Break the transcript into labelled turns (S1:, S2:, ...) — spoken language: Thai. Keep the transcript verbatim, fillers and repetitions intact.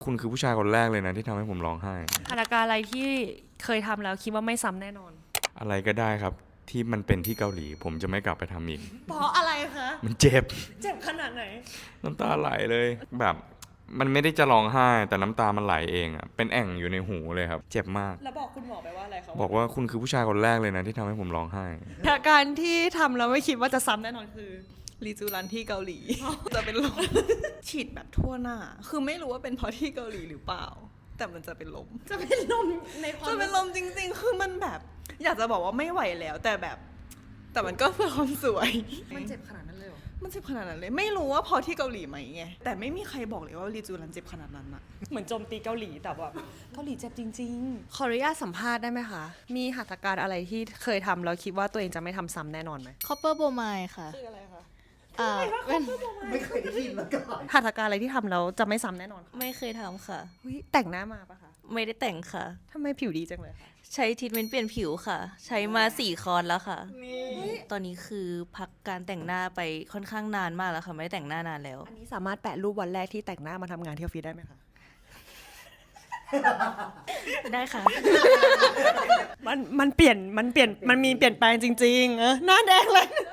S1: คุณคือผู้ชายคนแรกเลยนะที่ทำให้ผมร้องไห้
S2: หัตถการอะไรที่เคยทำแล้วคิดว่าไม่ซ้ำแน่นอน
S1: อะไรก็ได้ครับที่มันเป็นที่เกาหลีผมจะไม่กลับไปทำอีก
S2: เพราะอะไรคะ
S1: มันเจ็บ
S2: เจ็บขนาดไหน
S1: น้ำตาไหลเลยแบบมันไม่ได้จะร้องไห้แต่น้ำตามันไหลเองอ่ะเป็นแอ่งอยู่ในหูเลยครับเจ็บมาก
S2: แล้วบอกคุณหมอไปว่าอะไรเขา
S1: บอกว่าคุณคือผู้ชายคนแรกเลยนะที่ทำให้ผมร้องไห้
S2: หัตถการที่ทำแล้วไม่คิดว่าจะซ้ำแน่นอนคือรีจูรันที่เกาหลี จะเป็นลม ฉีดแบบทั่วหน้าคือไม่รู้ว่าเป็นเพราะที่เกาหลีหรือเปล่าแต่มันจะเป็นลมจะเป็นลมในความจะเป็นลมจริงๆคือมันแบบอยากจะบอกว่าไม่ไหวแล้วแต่แบบแต่มันก็เพื่อความสวยมันเจ็บขนาดนั้นเลยเหรอมันเจ็บขนาดนั้นเลยไม่รู้ว่าพอที่เกาหลีไหมไงแต่ไม่มีใครบอกเลยว่ารีจูรันเจ็บขนาดนั้นอะเหมือนโจมตีเกาหลีแต่แบบเกาหลีเจ็บจริงๆขออนุญาตสัมภาษณ์ได้ไหมคะมีหัตถการอะไรที่เคยทำแล้วคิดว่าตัวเองจะไม่ทำซ้ำแน่นอนไหม
S3: Copper Bromide ค่ะ
S2: คืออะไรคะ
S3: อ่าเป็น
S4: ไม่เคยได้ยินมาก่อน
S2: หัตถการอะไรที่ทำแล้วจะไม่ซ้ำแน่นอนค่ะ
S3: ไม่เคยทำค่ะ
S2: แต่งหน้ามาปะคะ
S3: ไม่ได้แต่งค่ะ
S2: ทำไมผิวดีจังเลยคะ
S3: ใช้ทรีทเมนต์เปลี่ยนผิวค่ะ ใช้มาสี่คอร์สแล้วค่ะ ตอนนี้คือพักการแต่งหน้าไปค่อนข้างนานมากแล้วค่ะ ไม่ได้แต่งหน้านานแล้ว
S2: อันนี้สามารถแปะรูปวันแรกที่แต่งหน้ามาทำงานที่ออฟฟิศได้ไหมคะ
S3: ได้ค่ะ
S2: มันมันเปลี่ยนมันเปลี่ยนมันมีเปลี่ยนแปลงจริงๆเออหน้าแดงเลย